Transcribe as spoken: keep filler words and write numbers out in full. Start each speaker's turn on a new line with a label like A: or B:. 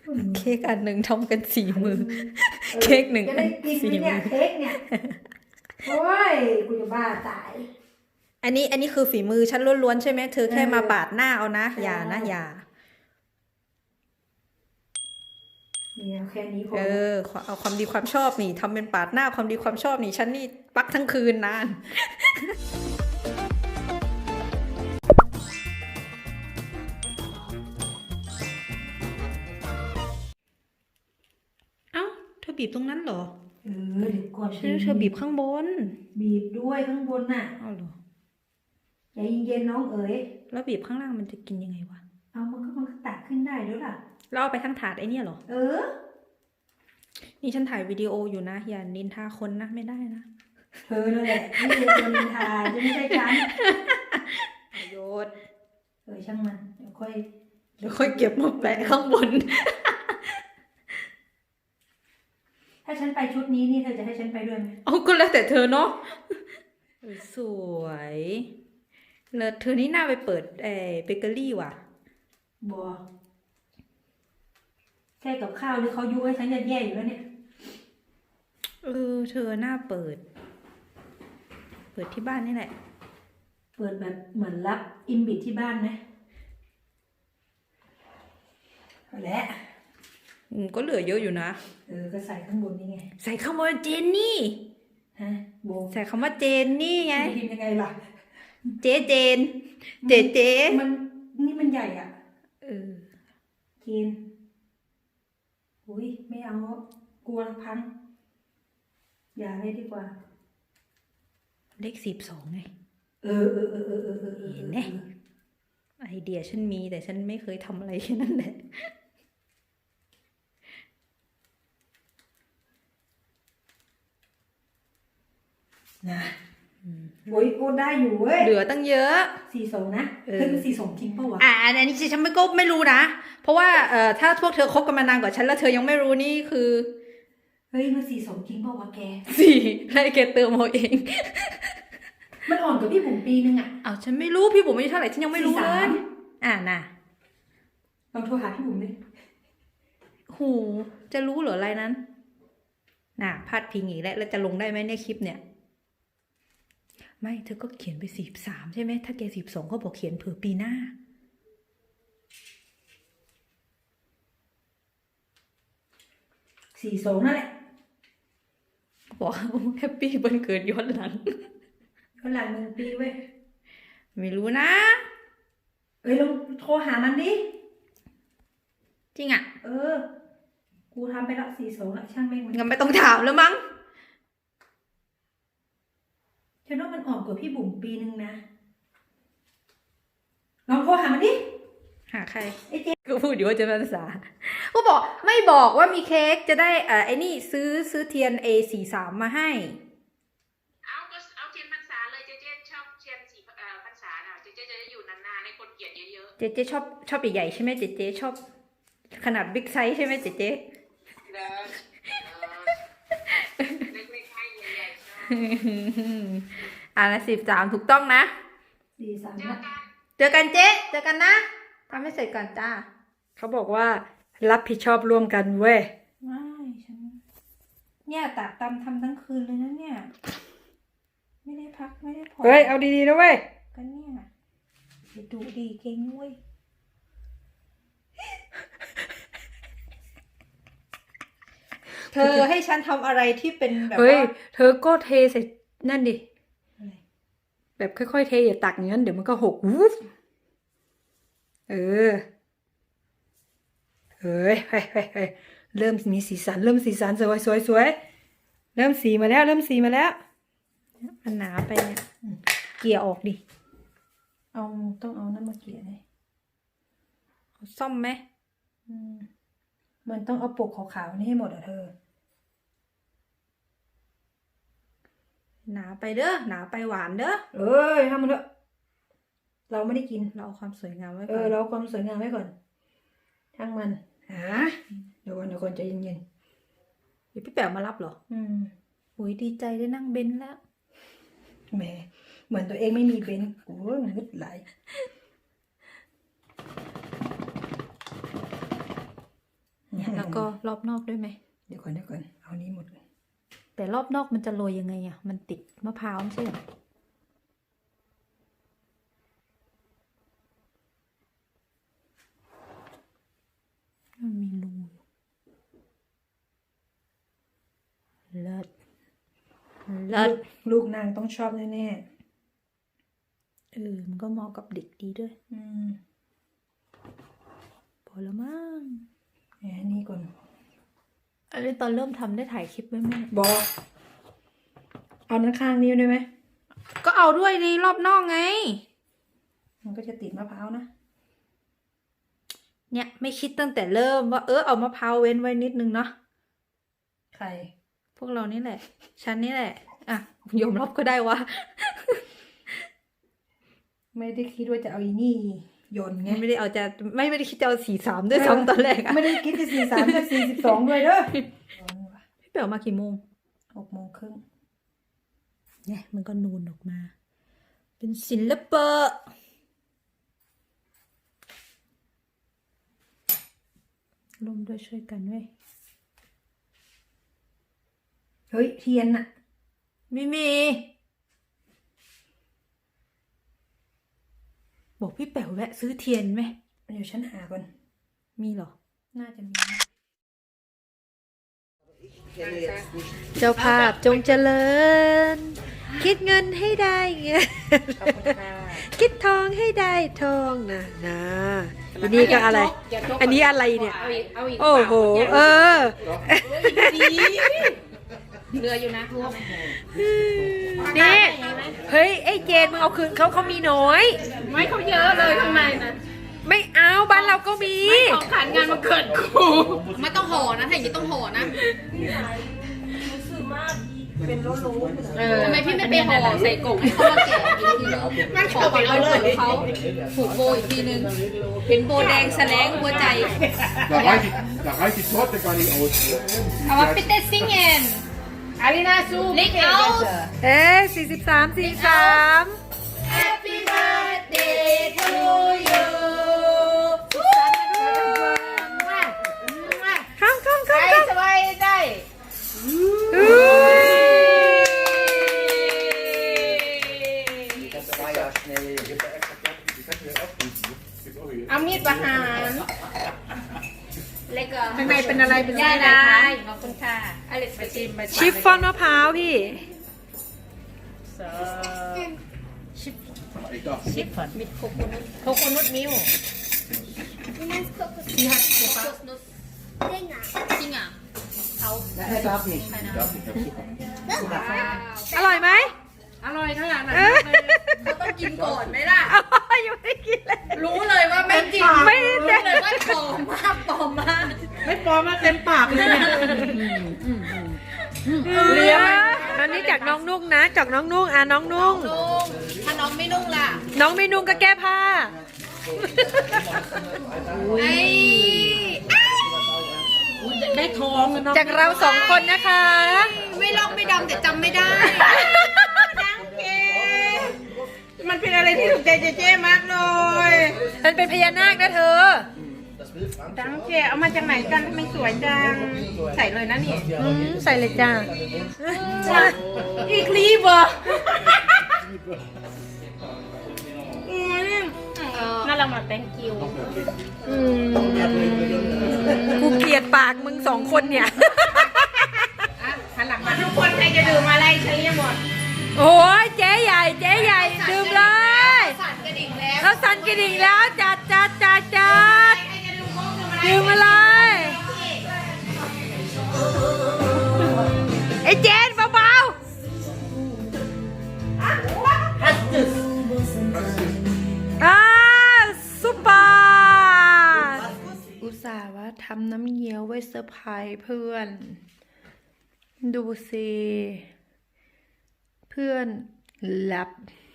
A: เค้กอันหนึ่งทำกันสี่มือเค้กหนึ่ง
B: จะได้กินไหมเนี่ยเค้กเนี่ยโอ้ยกูจะบ้าตาย
A: อันนี้อันนี้คือฝีมือฉันล้วนๆใช่ไหมเธอแค่มาปาดหน้าเอานะอย่านะอย่า
B: เนี่ยแค่นี้พอ
A: เออเอาความดีความชอบนี่ทำเป็นปาดหน้าความดีความชอบนี่ฉันนี่ปักทั้งคืนนาน เอ้าเธอบีบตรงนั้นเหรอ
B: เออเดี๋ยวก่อน
A: เธอเธอบีบข้างบน
B: บีบด้วยข้างบนน่ะ
A: เอาเหรอ
B: ใจเย็นๆน้องเอ๋ย
A: แล้วบีบข้างล่างมันจะกินยังไงวะ
B: เอามันก็มันก็ตักขึ้นได้ด้วยล่ะ
A: เราเอาไปทั้งถาดไอเนี่ยเหรอ
B: เออ
A: นี่ฉันถ่ายวิดีโออยู่นะอย่านินทาคนนะไม่ได้นะ
B: เธอนั่นแหละนี่เป็นคนนินทาจะไม่ใช่ฉัน
A: โยด
B: เออช่างมันเดี๋ยวค่อย
A: เดี๋ยวค่อยเก็บมาแปะข้างบน
B: ถ้าฉันไปชุดนี้นี่เธอจะให้ฉันไปด้วยไหม
A: เอาก็แล้วแต่เธอเนาะสวยแล้วเธอนี่น่าไปเปิดเออเบเกอรี่ว่ะ
B: บัวแค่กับข้าวที่เขายุให้ฉันจะแย่อยู่แล้วเนี่ย
A: เออเธอหน้าเปิด เปิดที่บ้านนี่แหละ
B: เปิดแบบเหมือนรับอินบิทที่บ้านนะเอาละ
A: อืมก็เหลือเยอะอยู่นะ
B: เออก็ใส่ข้างบนนี่ไง
A: ใส่คำว่าเจนนี่
B: ฮะโบ
A: ใส่คำว่าเจนนี่ไง
B: พิมพ์ยังไงล่ะ
A: เจเจน เจเจ
B: มันนี่มันใหญ่อ่ะ
A: เออ
B: กินอุ้ยไม่เอากลัวพังอย่าเลยดีกว่า
A: เลขสิบสองไง
B: เออเออเออเออเออเออ
A: เห็นไหม ไอเดียฉันมีแต่ฉันไม่เคยทำอะไรแค่นั้นแหละ
B: นะโอ้ยโอ้ได้อยู่เว้ย
A: เหลือตั้งเยอะ
B: สี่สองนะ
A: เออ
B: เฮ้ยมันสี่สองจริงปะวะ
A: อ่าอันนี้ฉันไม่ก็ไม่รู้นะ เพราะว่าเอ่อถ้าพวกเธอคบกันมานานกว่าฉันแล้วเธอยังไม่รู้นี่คือ
B: เฮ้ยมันสี่สองจริงปะวะแก
A: สี่ให้แกเติมเอาเอง
B: มันอ่อนกว่าพี่ผมปีนึงอ่ะ
A: เอาฉันไม่รู้พี่บุ๋มอายุเท่าไหร่ฉันยังไม่รู้เล
B: สี่
A: ย
B: สาม
A: อ่าน่ะ
B: ลองโทรหาพี่บุ๋มดิ
A: หูจะรู้เหรออะไรนั้น น่ะพาดพิงอีกแล้วแล้วจะลงได้ไหมเนี่ยคลิปเนี่ย ไม่เธอก็เขียนไปสี่สามใช่ไหมถ้าแกสิบสองก็บอกเขียนเผื่อปีหน้า
B: สี่สองนั่นแหละ
A: บอกแฮปปี้วันเกิดย้อนหลัง
B: ก็หลังหนึ่งปีเว้ย
A: ไม่รู้นะ
B: เอ้ยลองโทรหามันดิ
A: จริงอ่ะ
B: เออ กูทำไปละสี่สองละช่างแม่งมัน
A: งั้นไม่ต้องถามแล้วมั้ง
B: ฉันว่ามันอ่อนกว่าพี่บุ๋มปีนึงนะ ลองโทรหามันดิ
A: หาใคร
B: ไอ้เจ๊
A: ก็พูดอยู่ว่าจะเป็นภาษาก็บอกไม่บอกว่ามีเค้กจะได้เอ่อไอ้นี่ซื้อซื้อเทียน เอ สี่สาม มาให้
C: เอาก็เอาเทียนพรรษาเลยเจ๊เจ๊ชอบเทียนสีเอ่อพรรษาน่ะเจ๊เจ๊จะได้อยู่นานๆให้คนเกลียดเยอะ
A: เจ๊เจ๊ชอบชอบใหญ่ๆใช่ไหมเจ๊เจ๊ชอบขนาดบิ๊กไซส์ใช่ไหมเจ๊เจ๊
C: ๆเด้อเออเล็กๆให้ใหญ่ๆชอบ
A: อ่านะสิบสามถูกต้องนะ
B: สี่สาม
C: เจอ
B: ละ
C: กัน
A: เจอกันเจ๊เจอกันนะทำให้เสร็จก่อนจ้า
B: เขาบอกว่ารับผิดชอบร่วมกันเว้ย
A: ไม่ฉันเนี่ยตากตำทำทั้งคืนเลยนะเนี่ย ไม่ได้พักไม่ได้ผ่อน
B: เฮ้ย เอาดีๆนะเว้ย
A: ก็เนี่ยจะดูดีเก่งเว้ย เธอให้ฉันทำอะไรที่เป็นแบบ
B: เฮ้ย
A: ว่า
B: เธอก็เทใส่นั่นดิ
A: อะไร
B: แบบค่อยๆเทอย่าตักอย่างนั้นเดี๋ยวมันก็หกวูฟเออ เฮ้ยเฮ้ยเฮ้ยเฮ้ยเริ่มมีสีสัน เริ่มสีสันสวยสวยสวยเริ่มสีมาแล้ว เริ่มสีมาแล้ว
A: มันหนาไปเนี่ยเกลี่ยออกดิ
B: เอาต้องเอานั่นมาเกลี่ยเลย
A: เอาซ่อมไหม
B: อืมมันต้องเอาปกขาวๆนี่ให้หมดอ่ะเธอ
A: หนาไปเด้อหนาไปหวานเด้อ
B: เอ้ยทำมันเถอะเราไม่ได้กิน
A: เราเอาความสวยงามไว้
B: เอ
A: ก่อ
B: อน เราเอาความสวยงามไว้ก่อนช่างมันฮะเดี๋ยวก่อนเดี๋ยวก่อนใจเย็น
A: เดี๋ยวพี่แป๋วมารับเหรอ
B: ๆอืม
A: อุ้ยดีใจได้นั่งเบนซ์แล้ว
B: แหมเหมือนตัวเองไม่มีเบนซ์โอ้ยงึดไหลไง
A: แล้วก็รอบนอกด้วยไหม
B: เดี๋ยวก่อนเดี๋ยวก่อนเอานี้หมด
A: แต่รอบนอกมันจะโรยยังไงอ่ะ มันติดมะพร้าวไม่ใช่เหรอมันมีรูเลิศเลิศ
B: ลูกนางต้องชอบแน่
A: เออ มันก็เหมาะกับเด็กดีด้วย
B: ๆอืม
A: พอแล้วมั้ง
B: แหมนี่ก่อน
A: อันนี้ตอนเริ่มทำได้ถ่ายคลิปไว้ไหม
B: บอกเอาด้านข้างนี้ด้วยไหม
A: ก็เอาด้วยในรอบนอกไง
B: มันก็จะติดมะพร้าวนะ
A: เนี่ยไม่คิดตั้งแต่เริ่มว่าเออเอามะพร้าวเว้นไว้นิดนึงเนาะ
B: ใคร
A: พวกเรานี่แหละ ฉันนี่แหละ อ่ะยอมรับก็ได้ว่า
B: ไม่ได้คิดว่าจะเอาอีนี่โยนไง
A: ไม่ได้เอาจะไม่ไม่ได้คิดจะเอาสี่สามด้วยซ้ำตอนแรกอะ
B: ไม่ได้คิดจะสี่สามจะสี่สิบสองด้วยเด้อ
A: พี่เป๋วมากี่โมง
B: หกโมงครึ่ง
A: เนี่ยมันก็นูนออกมา เป็นศิลปะร่วมด้วยช่วยกันเว้ย
B: เฮ้ยเทียนน่ะ
A: ไม่มี บอกพี่แป๋วแวะซื้อเทียนไหม
B: เดี๋ยวฉันหาก่อน
A: มีเหรอ
B: น่าจะมีนะ
A: เจ้าภาพจงเจริญ คิดเงินให้ได้เงิน
B: ขอบคุณค่ะ
A: คิดทองให้ได้ทองนะนะอันนี้ก็อะไร อันนี้อะไรเนี่ย
C: เอาอีกเอาอีก
A: โอ้โห เออ
C: เรืออยู่นะรวม
A: นี่ เฮ้ย ไอ้เจนมึงเอาคืนเขาเขามีน้อย
C: ไม่เขาเยอะเลยข้างในนะ
A: ไม่เอาบ้านเราก็มี
C: ของขานงานมาเกิดกูไม่ต้องห่อนะถ้าอย่างนี้ต้องห่อนะทำไมพี่ไม่ไปห่อใส่กล่องให้เขามาแกะอีกทีนึงมันขอไปเอาเลยเขาผูกโบอีกทีนึงเป็นโบแดงแสลงหัวใจ
D: Da reicht die, da reicht die Torte gar nicht aus.
C: เอาว่าปิเตซิงเอ็นอารินาซูลิกเอา
A: เอ๊ะสี่สิบสามสี่สิบสาม
C: Happy birthday to you
A: ข้ามข้ามข้าม
C: ใคร
A: ข้าม
C: สบายใจ
A: อุ้ย
D: Das war ja schnell. Jetzt extra fertig, die Fette wieder aufrufen. Gibt's auch hier.
C: เอามีดประหารเล็กอ่ะ
B: ข้างในเป็นอะไรเป็น
C: ย่า
B: อะไร
C: ได้
B: คะ
C: ขอบคุณค่ะอเล็กมาชิมมา
A: ชิฟฟ่อนมะพร้าวพี่
D: Ich darf.
C: ชิฟมิดโคโคนุตโคโคนุตมิลจริงอ่ะเขา
D: Er darf nicht. Ich darf nicht, ich hab Zucker.
A: อร่อยไหม
C: อร่อยขนาดไหน
A: เออ
C: เขาต้องกินก่อนไหมล่ะ
A: ยังไม่ได้กินเลย
C: รู้เลยว่าไม่จริง
A: ไม่
C: รู้
A: ได้
C: เลยว่าปลอมมากปลอมมาก
B: ไม่ปลอมมาเต็มปากเลยเนี่ย
A: เลี้ยงอันนี้จากน้องนุ่งนะ จากน้องนุ่งอ่ะน้องนุ่ง
C: นุ่งถ้าน้องไม่นุ่งล่ะ
A: น้องไม่นุ่งก็แก้ผ้า
C: ไอ้
B: ได้ทองอะเนาะ
A: จากเราสองคนนะคะ
C: ไม่ลอกไม่ดำแต่จำไม่ได้ดังเก
B: มันเป็นอะไรที่ถูกใจเจเจมากเลย
A: มันเป็นพญานาคนะเธอ
B: ดังเจเอามาจากไหนกันทำไมสวยจัง ใส่เลยนะนี่
A: อืมใส่เลยจ้า
B: อีกลีบเหรออืมน่ารักมาก thank you
A: อืมกูเกลียดปากมึงสองคนเนี่ย
B: หันหลังมาทุกคนใครจะดื่มอะไรเฉลี่ยหมด
A: โอ้ยเจ๊ใหญ่เจ๊ใหญ่ดื่มเลย
C: สั่นกระดิ่งแล้ว
A: เขาสั่นกระดิ่งแล้วจัดจัดจัดจัด
C: ใครจะดูโค้งดูอะไร
A: ดื่มมาเลย ไอ้เจนเบาๆอ่าซุปเปอร์อุตส่าห์ว่าทำน้ำเงี้ยวไว้เซอร์ไพรส์เพื่อน ดูสิ เพื่อนหลับ